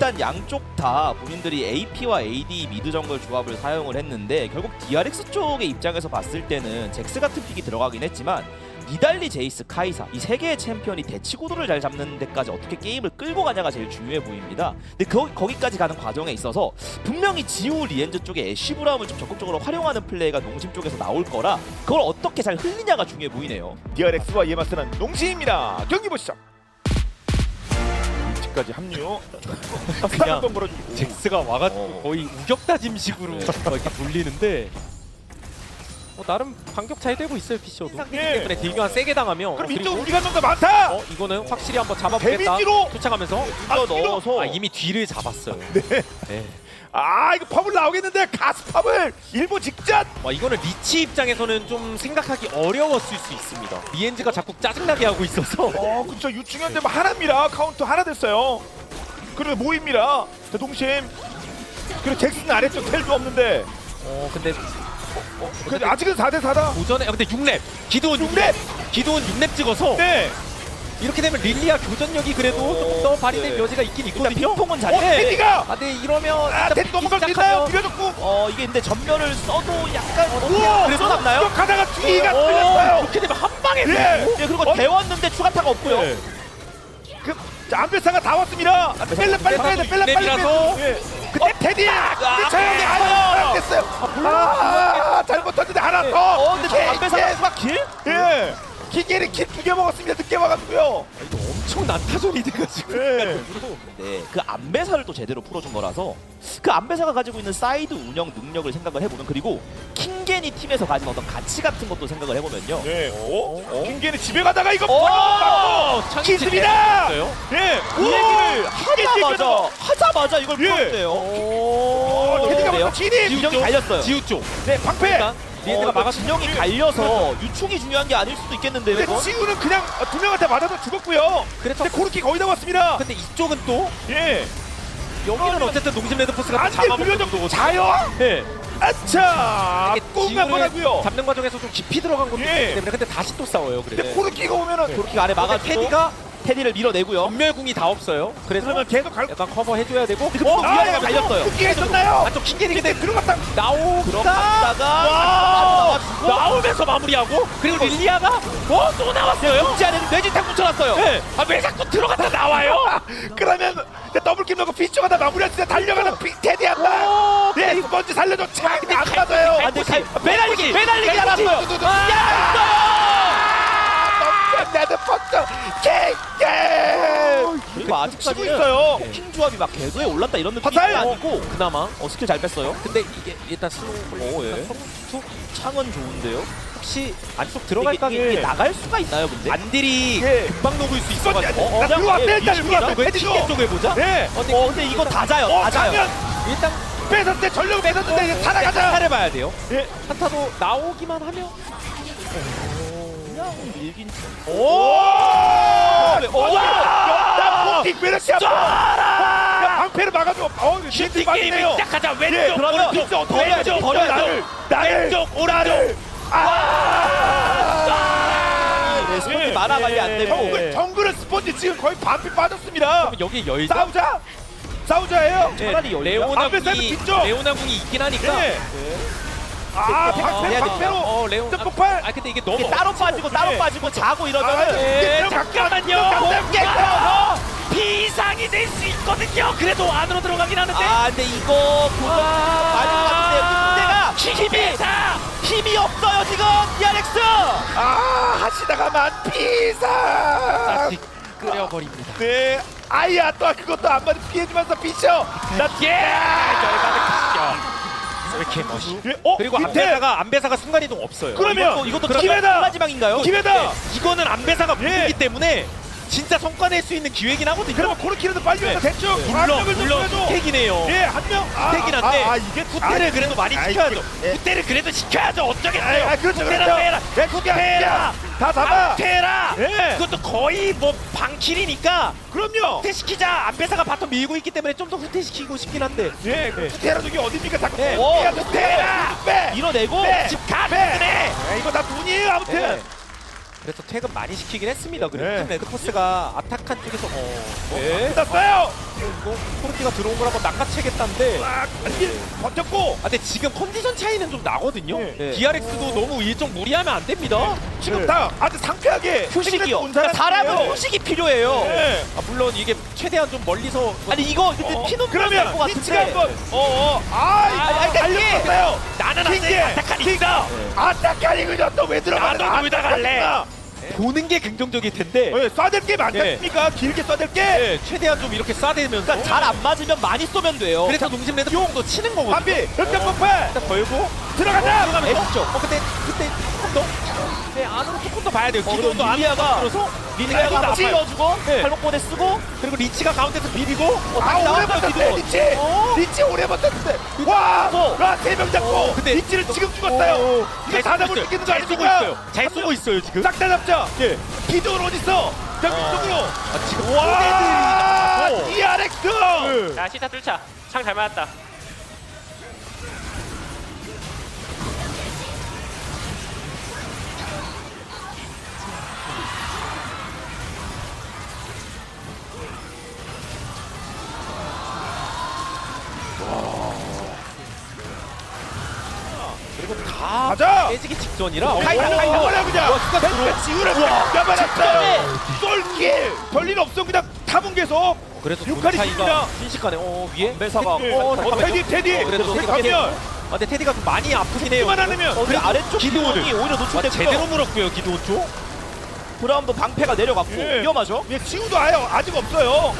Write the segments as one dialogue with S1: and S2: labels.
S1: 일단 양쪽 다 본인들이 AP와 AD 미드 정글 조합을 사용을 했는데 결국 DRX 쪽의 입장에서 봤을 때는 잭스 같은 픽이 들어가긴 했지만 니달리, 제이스, 카이사 이 세 개의 챔피언이 대치구도를 잘 잡는 데까지 어떻게 게임을 끌고 가냐가 제일 중요해 보입니다. 근데 거기까지 가는 과정에 있어서 분명히 지우, 리엔즈 쪽에 애쉬 브라움을 좀 적극적으로 활용하는 플레이가 농심 쪽에서 나올 거라 그걸 어떻게 잘 흘리냐가 중요해 보이네요.
S2: DRX와 이에 맞서는 농심입니다. 경기 보시죠. 위치까지 합류.
S3: 그냥
S2: 한번 걸어주고.
S3: 잭스가 와가지고 거의 우격다짐식으로 막 이렇게 돌리는데 나름 반격 잘 되고 있어요. 피셔도
S2: 예.
S3: 때문에 딜교환 세게 당하면
S2: 그럼
S3: 그리고
S2: 이쪽 우리가 좀 더 많다.
S3: 이거는 확실히 한번 잡아보겠다.
S2: 데미지로
S3: 쫓아가면서
S1: 넣어서
S3: 이미 뒤를 잡았어요. 네.
S2: 아 이거 팝을 나오겠는데 가스 팝을 일본 직전.
S3: 와 이거는 리치 입장에서는 좀 생각하기 어려웠을 수 있습니다. 리엔즈가 자꾸 짜증나게 하고 있어서
S2: 그쵸 유충현대 뭐 하나입니다. 카운터 하나 됐어요. 그리고 모입니다. 자 동심. 그리고 잭슨 아래쪽 텔도 없는데.
S3: 근데
S2: 근데 아직은 4대 4다.
S3: 오전에 근데 6렙 기도원 6렙 찍어서
S2: 네.
S3: 이렇게 되면 릴리아 교전력이 그래도 조금 더 발휘된 여지가 있긴 있거든요.
S1: 핑퐁은 잘
S2: 테디가.
S3: 근데 이러면
S2: 테디 넘어갈 수 있나요? 밀어줬고.
S1: 이게 근데 전멸을 써도 약간
S2: 우와.
S1: 그래서 남나요?
S2: 이거 가다가 뒤가 틀렸어요.
S3: 이렇게 되면 한 방에
S2: 예.
S1: 예, 그리고 데웠는데 추가타가 없고요.
S3: 네.
S2: 안배사가 다 왔습니다. 빨리 빼야 돼. 빨리
S3: 랩이라서.
S2: 예. 근데 테디. 근데 저형이 안 됐어요. 잘못했는데 하나 더.
S1: 근데 안배사가 추가 킬?
S2: 예. 기계를 킬 2개 먹었습니다. 늦게 와가지고요.
S3: 이거 엄청 난타전이 돼가지고.
S2: 예.
S1: 네, 그 안배사를 또 제대로 풀어준 거라서 그 안배사가 가지고 있는 사이드 운영 능력을 생각을 해보면 그리고 킹겐이 팀에서 가진 어떤 가치 같은 것도 생각을 해보면요.
S2: 네. 김기는 집에 가다가 이거
S3: 기습니다.
S2: 예.
S1: 이 얘기를 하자마자 이걸
S2: 예.
S1: 풀었대요.
S2: 테디가 진입.
S1: 진영이 갈렸어요.
S3: 지우 쪽.
S2: 네, 방패.
S1: 리엔드가 막아 진영이 갈려서 유충이 중요한 게 아닐 수도 있겠는데요.
S2: 근데
S1: 이건?
S2: 지우는 그냥 두 명한테 맞아서 죽었고요.
S3: 그래서
S2: 근데 고르키 거의 다 왔습니다.
S3: 근데 이쪽은 또
S2: 예.
S3: 여기는 어쨌든 농심 레드포스가
S2: 안돼
S3: 잡아먹는
S2: 물려줘.
S3: 정도고.
S2: 자요.
S3: 예.
S2: 아차.
S3: 이게
S2: 꽁 한번
S3: 지우를
S2: 하고요.
S3: 잡는 과정에서 좀 깊이 들어간 것도
S2: 예.
S3: 있기 때문에 근데 다시 또 싸워요.
S2: 근데
S3: 그래서
S2: 고르키가 오면은
S1: 도르키가 아래 막아주고 테디를 밀어내고요.
S3: 전멸궁이 다 없어요. 그래서
S2: 그러면 계속 갈.
S3: 약간 커버 해줘야 되고.
S1: 근데 그 위아래가 갈렸어요.
S2: 쿠키가 있었나요?
S3: 안쪽 킹게리 근데
S2: 들어갔다.
S3: 나오다가 나오면서 마무리하고 그리고 릴리아가 또 나왔어요.
S1: 지 않은 뇌지탕 붙여놨어요.
S3: 네. 왜 자꾸 들어갔다 나와요?
S2: 그러면 더블킬 넣고 피쇼가 다 마무리했을 때 달려가는 테디 한 방. 네, 먼저 살려줘. 차근히 안 맞아요.
S1: 안돼 매달리기 알았어요.
S2: 레드 퍼터 킹게.
S1: 그리고 아직까지
S2: 치고 있어요.
S1: 킹 조합이 막 궤도에 올랐다 이런 느낌이
S2: 화살!
S1: 아니고
S3: 그나마.
S1: 스킬 잘 뺐어요.
S3: 근데 이게 일단 슬로우
S1: 예. 창은 좋은데요.
S3: 혹시 안쪽 들어갈
S1: 이게
S3: 각을
S1: 나갈 수가 있나요, 근데?
S3: 안딜이
S2: 예.
S3: 금방 녹을 수 있어가지고.
S2: 나 들어와 일단 들어와.
S3: 왜 킹게 쪽에 보자?
S2: 네.
S1: 근데 이거 다 자요. 다 자요.
S2: 가면
S3: 일단
S2: 뺏었을 때 전력을 뺏었는데 이제 살아가자.
S3: 살해봐야 돼요.
S2: 예.
S3: 한타도 나오기만 하면.
S1: 그냥 밀긴.
S2: 오! 나 폭킥 베르시아. 야, 방패를 막아줘. 슈팅
S3: 게임을 시작하자. 왼쪽,
S1: 그러면
S3: 오른쪽,
S1: 버려야죠.
S2: 나를
S3: 왼쪽, 오른쪽.
S1: 네, 스폰지 만화 관리 안 되고.
S2: 정글은 스폰지 지금 거의 반피 빠졌습니다.
S3: 여기 열자.
S2: 싸우자예요.
S1: 차라리 열려.
S2: 앞에 사이드 뒤쪽.
S3: 레오나궁이 있긴 하니까.
S2: 네. 아,
S1: 해야
S2: 방패로.
S3: 레오.
S2: 폭발.
S3: 근데 이게 너무
S1: 이게 따로 빠지고 따로 빠지고 자고 이러면은
S2: 예,
S3: 잠깐만요. 깨서 비상이 될 수 있거든요. 그래도 안으로 들어가긴 하는데.
S1: 근데 이거 많이 봤는데 문제가 힘이 없어요 지금 DRX.
S2: 하시다가만 피사.
S3: 다시 끓여버립니다.
S2: 네. 아야 또 그것도 안 맞아 피해주면서 피셔.
S3: 열받은 크시죠. 왜 이렇게 멋있어? 그리고 안배사가 순간이동 없어요.
S2: 그러면
S1: 이것도
S2: 기회다.
S1: 마지막인가요?
S2: 기회다.
S3: 이거는 안배사가 무기 때문에 진짜 성과 낼 수 있는 기회긴 하거든요.
S2: 그러면 코르키라도 빨리 와서 대충.
S3: 물론 후퇴기네요.
S2: 예, 한 명.
S3: 후퇴긴 한데
S2: 이게
S3: 후퇴를 그래도 많이 시켜야죠. 후퇴를 그래도 시켜야죠. 어쩌겠어요.
S2: 그렇죠.
S3: 후퇴를 해라.
S2: 후퇴해라. 다 잡아.
S3: 후퇴해라.
S2: 예.
S3: 그것도 거의 뭐 방킬이니까
S2: 그럼요.
S3: 후퇴시키자. 안배사가 바텀 밀고 있기 때문에 좀 더 후퇴시키고 싶긴 한데.
S2: 예, 후퇴라 저기 어딥니까? 자꾸
S3: 네.
S2: 후퇴해라. 빼.
S1: 밀어내고
S3: 집 가네.
S2: 이거 다 돈이에요. 아무튼.
S3: 그래서 퇴근 많이 시키긴 했습니다. 그리고
S2: 네.
S3: 팀 레드포스가 아타칸 쪽에서
S2: 끝났어요.
S3: 이거 코르티가 들어온 걸 한번 낚아채겠다는데
S2: 안길 버텼고
S3: 근데 지금 컨디션 차이는 좀 나거든요.
S2: 네.
S3: DRX도 너무 일정 무리하면 안 됩니다.
S2: 지금
S3: 네.
S2: 다 아주 상쾌하게
S1: 휴식이요.
S2: 온
S1: 그러니까 사람은
S2: 사람이에요.
S1: 휴식이 필요해요.
S2: 네.
S3: 물론 이게 최대한 좀 멀리서
S1: 아니 이거 근데 피눈물
S2: 그러면
S1: 날것
S2: 피치가
S1: 같은데.
S2: 한번 달렸었어요. 나는 킹게 아타칸이다. 아타칸이군요. 또왜 들어가는
S3: 나도 여기다 갈래.
S2: 아타칸이다.
S3: 보는 게 긍정적일 텐데
S2: 쏴댈 게 많겠습니까? 길게 쏴댈 게.
S3: 네, 최대한 좀 이렇게 쏴대면서
S1: 그러니까 잘 안 맞으면 많이 쏘면 돼요.
S3: 그래서 농심 레드도 치는 거거든요.
S2: 반비 흑점 폭발
S3: 일단 걸고
S2: 들어가자.
S1: S쪽.
S3: 그때 조금 더 네, 안으로 조금 더 봐야 돼요.
S1: 그리고
S3: 기도도 안으로
S1: 리니아가
S3: 들어서
S1: 리니아가
S3: 나빠요.
S1: 찔러주고
S3: 네.
S1: 팔목보내 쓰고
S3: 그리고 리치가 가운데서 비비고
S2: 아 오래
S1: 나왔어요,
S2: 버텼네
S1: 기도.
S2: 리치.
S1: 어?
S2: 리치 오래 버텼는데 와 3명 잡고
S3: 근데
S2: 리치를 지금 죽었어요. 이거 다 잡을 수 있는 거
S3: 잘 쏘고
S2: 아닙니까?
S3: 있어요. 잘 쏘고 있어요 지금.
S2: 싹 다 잡자.
S3: 예.
S2: 기도는 어딨어? 자 위쪽으로.
S3: 지금
S2: 와
S3: 포대들이
S2: DRX.
S4: 자 시타 뚫자. 창 잘 맞았다.
S3: 그리고 다
S2: 가자.
S3: 깨지기 직전이라
S2: 카이사 버려 그냥. 지우라 잡아놨어요. 쏠길 별일 없어 그냥 타본 계속.
S3: 그래도
S2: 육칼이
S3: 차이가
S2: 깁니다.
S3: 순식간에 위에
S1: 매사가
S2: 테디
S3: 그래도 테디가
S2: 가면
S3: 근데 테디가 좀 많이 아프긴 해요.
S2: 그만 안 하면
S1: 근데 아래쪽
S3: 기도원을.
S1: 기도원이 오히려 노출됐고요.
S3: 제대로 물었고요 기도 쪽.
S1: 브라운도 방패가 내려갔고
S2: 예.
S1: 위험하죠.
S2: 지우도 아직 없어요.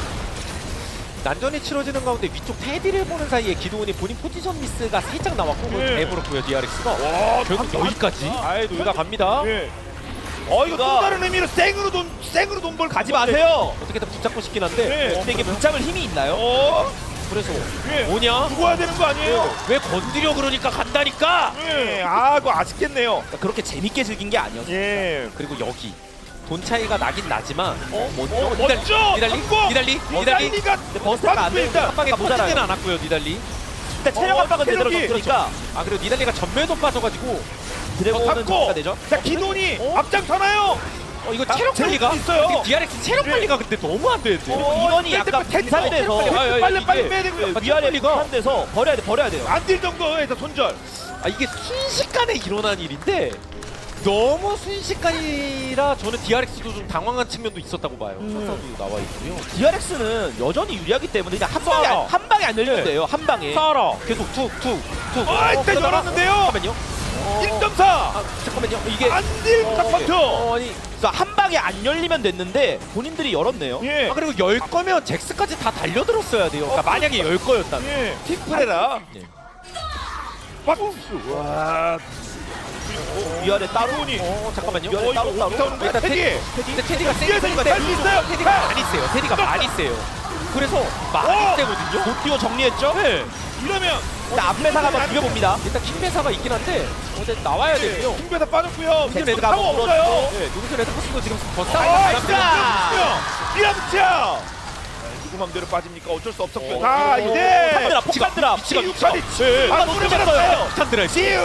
S3: 난전이 치러지는 가운데 위쪽 테디를 보는 사이에 기도원이 본인 포지션 미스가 살짝 나왔고 그걸
S2: 예.
S3: 내버렸고요 DRX가.
S2: 와
S3: 결국 여기까지. 여기가 갑니다.
S2: 예. 이거 또 다른 의미로 생으로 돈 벌
S1: 가지 마세요.
S3: 어떻게든 붙잡고 싶긴 한데.
S2: 예.
S1: 근데 이게 붙잡을 힘이 있나요?
S3: 그래서
S2: 예.
S3: 뭐냐?
S2: 죽어야 되는 거 아니에요?
S3: 왜 건드려 그러니까 간다니까.
S2: 예. 그거 아쉽겠네요.
S1: 그러니까 그렇게 재밌게 즐긴 게 아니었어요.
S2: 예.
S3: 그리고 여기 돈 차이가 나긴 나지만
S2: 멋져.
S3: 니달리
S2: 성공!
S3: 니달리
S2: 니달리가
S1: 버스가 안 되니까
S2: 일단
S3: 한 방에
S1: 모자라요.
S3: 터지지는 않았고요 니달리.
S1: 근데 체력 압박은 제대로
S2: 체력이.
S1: 줬으니까
S3: 아 그리고 니달리가 전멸도 빠져가지고
S1: 드래곤은
S2: 잡고
S1: 정리가 되죠.
S2: 자 기돈이 앞장서나요.
S3: 이거
S2: 아,
S3: 체력
S2: 재밌
S3: 관리가
S2: 있어요.
S3: DRX 체력
S2: 예.
S3: 관리가 근데 너무 안 되는데.
S1: 인원이 약간 분산돼서
S2: 빨리 빼야 되고요.
S1: 위아래
S3: 체력 관리가-
S1: 분산돼서 버려야 돼요.
S2: 안딜 정도에서 손절.
S3: 아 이게 순식간에 일어난 일인데 너무 순식간이라 저는 DRX도 좀 당황한 측면도 있었다고 봐요. 선사도 나와 있고요.
S1: DRX는 여전히 유리하기 때문에 그냥
S3: 쏴라.
S1: 한 방에 안 열리면 돼요. 한 방에.
S3: 사라 계속 툭툭툭.
S2: 일단 열었는데요.
S3: 잠깐만요.
S2: 1.4.
S3: 아 잠깐만요. 이게
S2: 안딜 딱 버텨.
S3: 아니
S1: 그래서 한 방에 안 열리면 됐는데 본인들이 열었네요.
S2: 예.
S3: 아 그리고 열 거면 잭스까지 다 달려들었어야 돼요. 그러니까 만약에 열 거였다면.
S2: 예. 틱프레라.
S3: 예.
S2: 와.
S1: 위아래 따로.
S2: 기돈이.
S3: 잠깐만요.
S1: 이거 따로
S2: 올라오는 거야.
S3: 일단
S2: 테디.
S3: 근데 테디가
S2: 뒤에서
S3: 세니까
S2: 살수 있어요.
S3: 테디가 많이 세요. 테디가 많이 세요. 그래서 많이 세거든요.
S1: 못 뛰어 정리했죠?
S3: 네.
S2: 이러면
S1: 일단 앞매사가 한번 죽여봅니다.
S3: 일단 킹메사가 있긴 한데 어제 나와야 되고요.
S2: 킹배사 빠졌고요.
S1: 잭스가
S2: 레드가 타워
S1: 한번
S2: 없어요.
S3: 네, 누구세 레드포스도 지금 더
S2: 아,
S3: 싸우고
S2: 진짜. 밀어붙여. 누구 맘대로 빠집니까? 어쩔 수 없었고요. 자,
S1: 폭탄
S2: 이제
S1: 드랍, 폭탄 드랍.
S3: 위치가
S2: 아, 노래 받았어요.
S3: 폭탄 드라이브.
S2: 지우.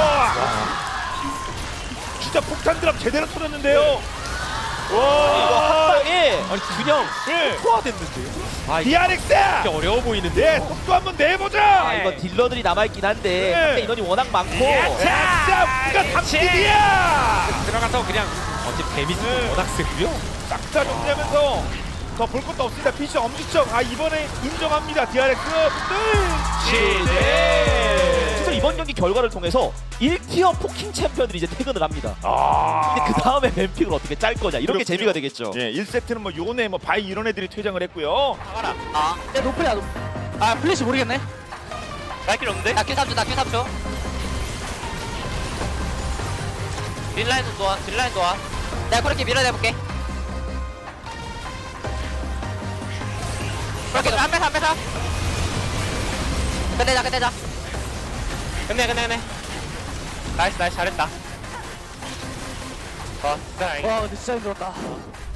S2: 진짜 폭탄 드랍 제대로 터졌는데요.
S1: 이거
S2: 와.
S1: 한 방에
S3: 아니 그냥
S2: 예.
S3: 소화됐는데요. 아 이게
S2: DRX.
S3: 진짜 어려워 보이는데.
S2: 네, 속도 한번 내보자.
S1: 아, 이거 딜러들이 남아있긴 한데
S2: 네.
S1: 상대 인원이 워낙 많고
S2: 자, 우리가 3킬이야.
S3: 들어가서 그냥 어제 데미지
S2: 네.
S3: 워낙 세고요.
S2: 싹다 정리하면서 더 볼 것도 없습니다. 피시 엄지척. 이번에 인정합니다. DRX 분들.
S1: 그래서 이번 경기 결과를 통해서 1티어 포킹 챔피언들이 이제 퇴근을 합니다.
S2: 아.
S1: 근데 그 다음에 뱀픽을 어떻게 짤 거냐 이런 게
S2: 그렇군요.
S1: 재미가 되겠죠.
S2: 예, 1세트는 뭐 요네 뭐 바이 이런 애들이 퇴장을 했고요.
S4: 야 노플이야 노플. 아 플래시 모르겠네. 날길 없는데? 나큐 3초 나큐 3초. 딜라인도 좋아 딜라인 좋아. 내가 그렇게 밀어내볼게. 그렇게 한 배사 끝내자 끝내 나이스 잘했다. 진짜 와 근데 진짜 힘들었다.